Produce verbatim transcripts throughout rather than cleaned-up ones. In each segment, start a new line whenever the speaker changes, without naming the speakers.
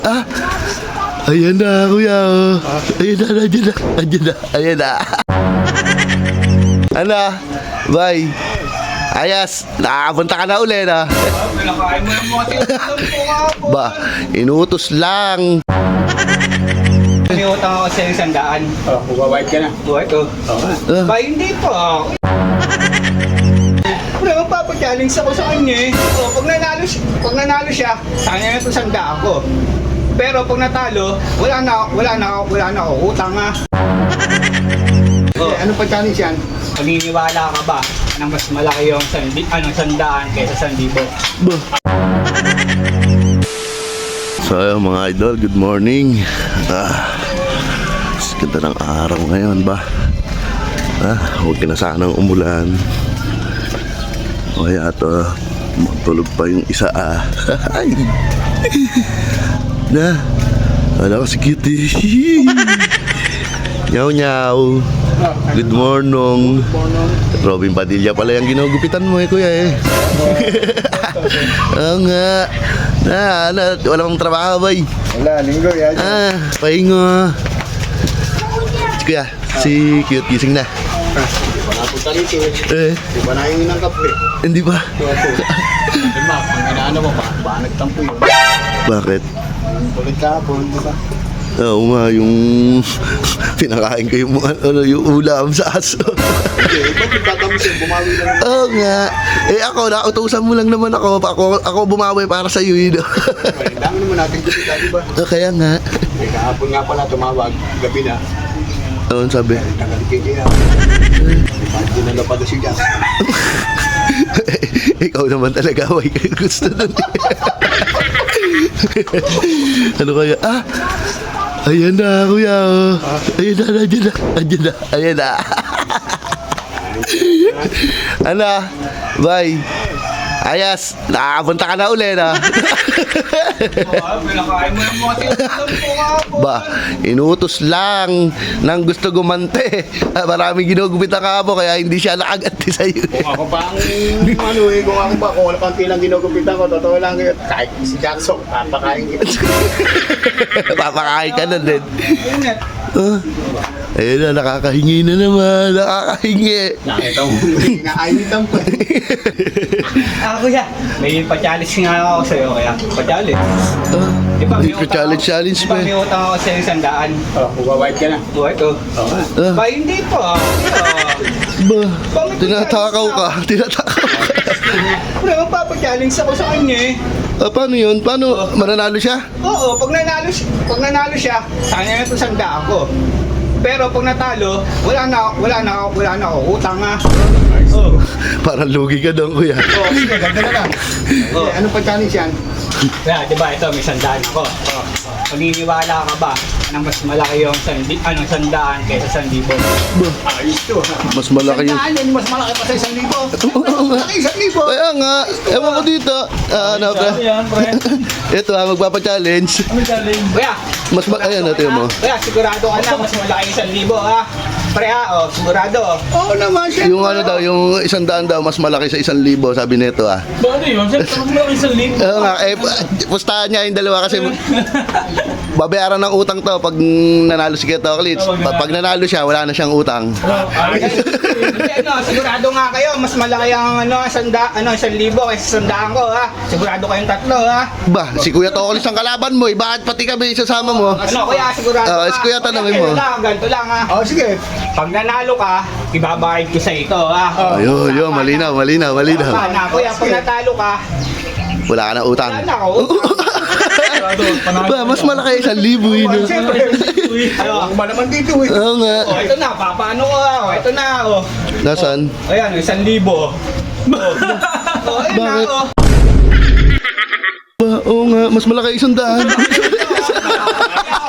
Ah, ayan na, kuya. Oh. Ayan na, nandiyan na. Nandiyan na, ayan na. Ano? Bye. Ayas, nakapunta ka na uli na.
Pinakain mo ng mga tinutulong ko nga po.
Ba, inutos lang.
May utang ako sa isang daan.
Oh, magbabayad ka na.
Buhay ko.
Ah,
Ba, hindi pa. Wala, magpapachallenge ako sa kanya eh. O, pag nanalo siya, pag nanalo siya, sa kanya na ito sandaan ko. Pero pag natalo, wala na, wala na, wala na ako. Utang nga.
Eh, ano pa challenge yan?
Paniniwala ka ba na mas malaki yung sandi, ano, sandaan kaysa sandibo?
ba. So, ayun, mga idol, good morning. Ah, ganda ng araw ngayon ba? Ah, huwag ka na sanang umulan. O kaya ito, matulog pa yung isa ah. Ay. Na, wala ko si Cutie. Nyaw nyaw. Good morning. Robin Padilla pala yung ginugupitan mo eh, kuya eh. Oo nga. Na, ano, wala mong trabaho, bay.
Wala, linggo yan.
Ah, pahingo. Si kuya, si Cute gising na.
Hindi pa napunta rito eh.
Eh,
Hindi pa nahingin ng kape.
hindi ba?
Di ba, ang inaano mo pa, ba nagtampo yun?
Bakit?
Ulit kahapon, di ba?
Oo nga, yung pinakain ko yung, mga- ano, yung ulam sa aso.
Hindi, ba't nagtatamusin? Bumawi lang.
Oo nga. Eh ako, nautusan mo lang naman ako. Ako, ako bumawi para sa iyo, yun.
Ang dami naman natin gupita, di ba?
Ah, Kaya nga.
Eh, kahapon nga pala tumawag, gabi na.
Ano sabi?
Tagalikid niya. Hindi na napag si Jazz.
Ikaw naman talaga, way kayo gusto nun. Ano kaya? Ah! Ayan na, kuya. Oh. Ayan na, nandiyan na. Nandiyan na, ayan na. Ano? Bye. Ayas, nakapunta ka na uli na.
Pinakain mo ng mga tinutulong ko nga po.
Ba, inutos lang nang gusto gumante. Ah, maraming ginugupitan ka po kaya hindi siya nakaganti sa'yo.
Kung ako pa ang ano eh, kung ako pa, kung wala pang tilang ginugupitan ko, totoo lang yun. Kahit si Jackson, papakain kita.
Papakain ka na din.
Ingat.
Ah, ayun na, nakakahingi na naman. Nakakahingi.
Nakita mo, inainitan pa.
Ah, kuya, may pa-challenge nga ako sa'yo, kaya pa-challenge.
Ah,
Di ba,
may
may utang
challenge
ako-
challenge
Di
pa
ba,
eh.
may utang ako sa isang daan.
Oh, magbabayad ka na.
Buhay ko.
Ah,
Ba, hindi pa.
ba, tinatakaw ka. Tinatakaw ka.
Wala, magpapachallenge ako sa kanya eh.
Ah, paano yun? Paano? Mananalo siya?
Oo, pag nanalo, siya- pag nanalo siya, sa kanya na ito sandaan ko. Pero pag natalo, wala na, wala na, wala na ako. Utang nga. Oo.
Parang lugi ka doon, kuya.
Oo, sige, ganda na lang. Oo.
Eh, ano pa challenge yan?
Kaya, di ba, ito, may sandaan ako. Oo. Paniniwala ka ba na mas malaki yung sandi, ano, sandaan kaysa sandibo?
Ayos to ha.
Mas malaki yung...
Sandaan yan, mas malaki pa sa isang libo.
Oo nga.
Malaki isang libo.
Kaya nga, ewan ko dito. Ah, ano, pre?
Yan, pre.
Ito ha, magpapa-challenge.
Ano challenge? Kuya,
Mas ma- ayan,
sigurado
natin
ka
mo.
na. Kuya, sigurado ka na, mas malaki yung sandibo, ha? Pre, ha? Oh, sigurado.
Oo naman siya.
Yung ano daw, yung isang daan daw, mas malaki sa isang libo, sabi nito ah.
Bakit yun? Siyempre, kung malaki sa link.
Oo nga, eh, pustahan niya yung dalawa kasi babayaran ng utang to pag nanalo si Keto Klitsch. Pa- Pag nanalo siya, wala na siyang utang.
Hindi, ano, sigurado nga kayo, mas malaki ang ano, sanda, ano, isang libo kaysa sandaan ko, ha? Sigurado kayong tatlo, ha?
Ba, si Kuya Tokolis ang kalaban mo eh. Bakit pati kami isasama mo?
Ano, kuya, sigurado
Ah,
ka?
si Kuya, tanongin mo.
Ganito lang, ganito lang, ha?
Oh, sige.
Pag nanalo ka, ibabayad ko sa ito, ha?
Ayun, yun, malinaw, malinaw, malinaw.
Tama na, kuya, pag natalo ka,
Wala ka na utang.
wala na ako.
Ba, mas malaki isang libo yun. oh.
Siyempre.
Ano?
Ang ba naman dito eh.
Oo nga.
Oh, ito na, papaano ko, ha? Oh, ito na, oh.
Nasaan?
Ayan, isang libo. Oh, oh ayan na,
Bakit?
oh.
Ba, oo nga, mas malaki isang daan.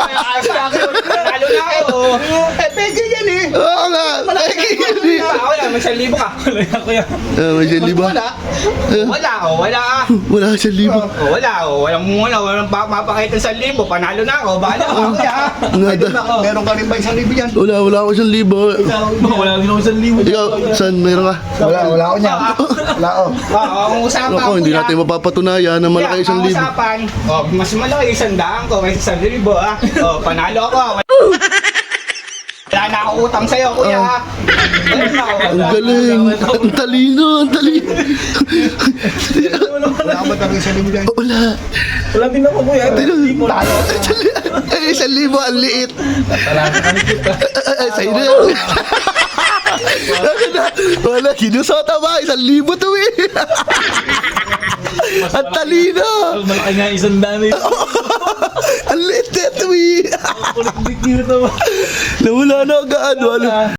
Lalo na ako.
Eh, pwede yan eh.
Oo nga, malaki yun eh.
Ako lang, may isang libo ka.
Wala yan, kuya.
Ah, may isang libo.
Wala.
Wala, oh, wala ah.
Wala ka isang libo.
Oh, wala, oh, walang muna, walang pa- mapakita sa libo, panalo na ako, bahala ako, kuya.
Nada.
Meron ka rin ba isang libo yan?
Wala, wala ako isang libo.
Wala din ako isang libo.
Ikaw, saan meron ka?
Wala, wala ako niyan. Wala ako.
Oo, ang usapan,
Ako, hindi
kuya.
natin mapapatunayan na malaki
Kuya,
isang
ang
libo.
usapan, oh, mas malaki isang daan ko, may isang libo, ah. Oh, panalo ako, ah. Wala na ako utang sa'yo, kuya. Wala na ako.
Ang galing. Ang talino, ang talino.
Wala ka ba talaga isang libo yan?
Wala.
Wala din ako, kuya. Libo.
Ay, isang libo, ang liit. Ay, sa'yo na. Wala, kinusota ba? Isang libo to eh. Ang talino.
Malaki nga isang dami.
Ang liit na to eh.
Kulit-lit nyo na to.
Nawala na agad. Wala.